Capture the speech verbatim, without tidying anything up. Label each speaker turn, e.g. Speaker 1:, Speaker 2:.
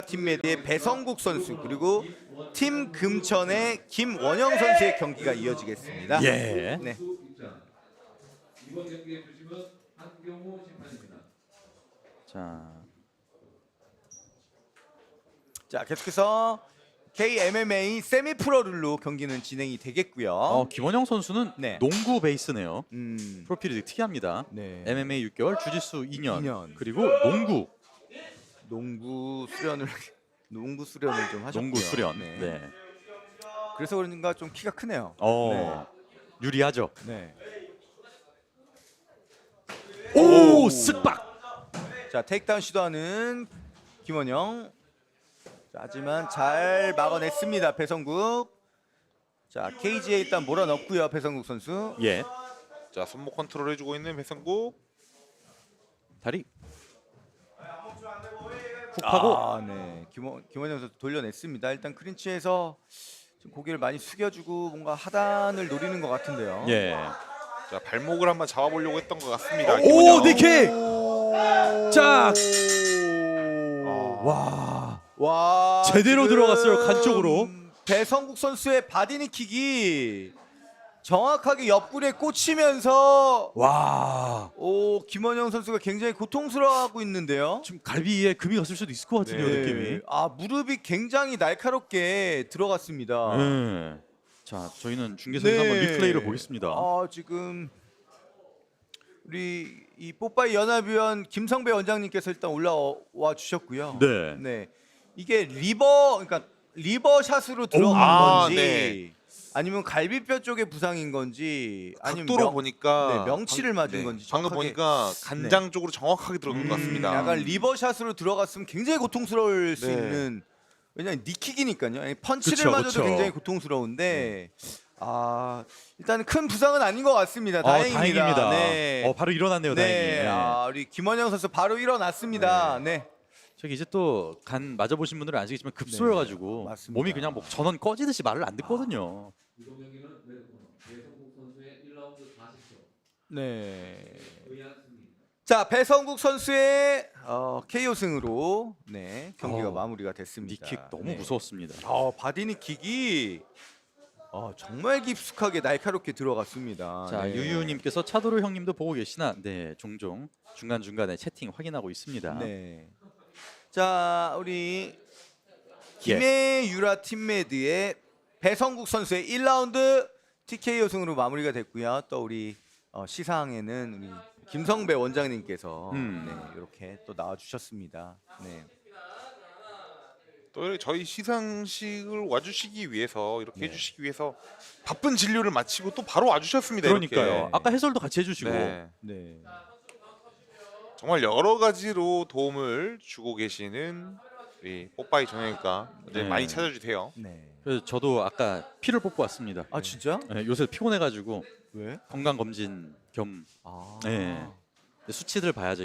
Speaker 1: 팀메드의 배성국 선수 그리고 팀 금천의 김원영 선수의 경기가 이어지겠습니다.
Speaker 2: 예.
Speaker 1: 네.
Speaker 3: 이번 경기에 주심은 한경호 심판입니다.
Speaker 2: 자,
Speaker 1: 자 계속해서 케이엠엠에이 세미프로 룰로 경기는 진행이 되겠고요.
Speaker 2: 어, 김원영 선수는
Speaker 1: 네.
Speaker 2: 농구 베이스네요.
Speaker 1: 음,
Speaker 2: 프로필이 되게 특이합니다.
Speaker 1: 네.
Speaker 2: 엠엠에이 육 개월, 주짓수 이 년,
Speaker 1: 이 년.
Speaker 2: 그리고 농구,
Speaker 1: 농구 수련을 농구 수련을 좀 하셨고요.
Speaker 2: 농구 수련.
Speaker 1: 네.
Speaker 2: 네.
Speaker 1: 그래서 그런가 좀 키가 크네요.
Speaker 2: 어, 유리하죠.
Speaker 1: 네.
Speaker 2: 오, 쓱박.
Speaker 1: 자 테이크다운 시도하는 김원영. 자, 하지만 잘 막아냈습니다. 배성국. 자 케이지에 일단 몰아넣고요. 배성국 선수.
Speaker 2: 예.
Speaker 4: 자 손목 컨트롤 해주고 있는 배성국.
Speaker 2: 다리. 훅 하고.
Speaker 1: 아, 네. 김원 김원영 선수 돌려냈습니다. 일단 크린치에서 좀 고개를 많이 숙여주고 뭔가 하단을 노리는 것 같은데요.
Speaker 2: 예.
Speaker 4: 자 발목을 한번 잡아보려고 했던 것 같습니다.
Speaker 2: 오,
Speaker 4: 김원영.
Speaker 2: 니킥. 자,
Speaker 4: 아,
Speaker 2: 와.
Speaker 1: 와
Speaker 2: 제대로
Speaker 1: 지금
Speaker 2: 들어갔어요, 간 쪽으로.
Speaker 1: 배성국 선수의 바디니킥이 정확하게 옆구리에 꽂히면서
Speaker 2: 와.
Speaker 1: 오 김원영 선수가 굉장히 고통스러워하고 있는데요.
Speaker 2: 지금 갈비에 금이 갔을 수도 있을 것 같은데요,
Speaker 1: 네.
Speaker 2: 느낌이.
Speaker 1: 아 무릎이 굉장히 날카롭게 들어갔습니다.
Speaker 2: 네. 자, 저희는 중계선에서 한번 리플레이를 보겠습니다.
Speaker 1: 아 지금 우리 이 뽀빠이 연합위원 김성배 원장님께서 일단 올라와 주셨고요.
Speaker 2: 네.
Speaker 1: 네. 이게 리버 그러니까 리버 샷으로 들어간
Speaker 4: 아,
Speaker 1: 건지
Speaker 4: 네.
Speaker 1: 아니면 갈비뼈 쪽의 부상인 건지 아니면
Speaker 4: 각도로
Speaker 1: 명-
Speaker 4: 보니까
Speaker 1: 네, 명치를 맞은
Speaker 4: 네,
Speaker 1: 건지
Speaker 4: 방금
Speaker 1: 정확하게.
Speaker 4: 보니까 간장 쪽으로 정확하게 들어간 것 같습니다.
Speaker 1: 음, 약간 리버샷으로 들어갔으면 굉장히 고통스러울 수
Speaker 4: 네.
Speaker 1: 있는 왜냐면 니킥이니까요. 아니, 펀치를
Speaker 2: 그쵸,
Speaker 1: 맞아도
Speaker 2: 그쵸.
Speaker 1: 굉장히 고통스러운데 아 일단은 큰 부상은 아닌 것 같습니다.
Speaker 2: 어,
Speaker 1: 다행입니다.
Speaker 2: 다행입니다.
Speaker 1: 네.
Speaker 2: 어, 바로 일어났네요,
Speaker 1: 네.
Speaker 2: 다행히. 네.
Speaker 1: 아, 우리 김원영 선수 바로 일어났습니다. 네.
Speaker 2: 저기 이제 또 간 맞아보신 분들은 아시겠지만 급소여가지고
Speaker 1: 네, 맞습니다.
Speaker 2: 몸이 그냥 뭐 전원 꺼지듯이 말을 안 듣거든요.
Speaker 3: 이번 경기는 레드코너 배성국 선수의 일 라운드 사십 초.
Speaker 1: 네.
Speaker 3: 의안 승리.
Speaker 1: 자 배성국 선수의 어, 케이오 승으로 네 경기가
Speaker 2: 어,
Speaker 1: 마무리가 됐습니다.
Speaker 2: 니킥 너무
Speaker 1: 네.
Speaker 2: 무서웠습니다.
Speaker 1: 어, 바디니킥이 어, 정말 깊숙하게 날카롭게 들어갔습니다.
Speaker 2: 자,
Speaker 1: 네.
Speaker 2: 유유님께서 차도로 형님도 보고 계시나? 네, 종종 중간 중간에 채팅 확인하고 있습니다.
Speaker 1: 네. 자 우리
Speaker 2: 예.
Speaker 1: 김해유라 팀메드의 배성국 선수의 일 라운드 티케이오 승으로 마무리가 됐고요. 또 우리 어, 시상에는 우리 김성배 원장님께서
Speaker 2: 음.
Speaker 1: 네, 이렇게 또 나와주셨습니다. 네.
Speaker 4: 또 이렇게 저희 시상식을 와주시기 위해서 이렇게
Speaker 1: 네.
Speaker 4: 해주시기 위해서 바쁜 진료를 마치고 또 바로 와주셨습니다.
Speaker 2: 그러니까요.
Speaker 4: 이렇게.
Speaker 2: 아까 해설도 같이 해주시고.
Speaker 4: 네.
Speaker 1: 네.
Speaker 4: 정말 여러 가지로 도움을 주고 계시는 우리 뽀빠이 정형외과
Speaker 2: 네.
Speaker 4: 많이 찾아주세요.
Speaker 1: 네.
Speaker 2: 그래서 저도 아까 피를 뽑고 왔습니다.
Speaker 1: 아 진짜?
Speaker 2: 네, 요새 피곤해가지고
Speaker 1: 왜?
Speaker 2: 건강 검진 겸
Speaker 1: 아.
Speaker 2: 네. 수치들 봐야죠.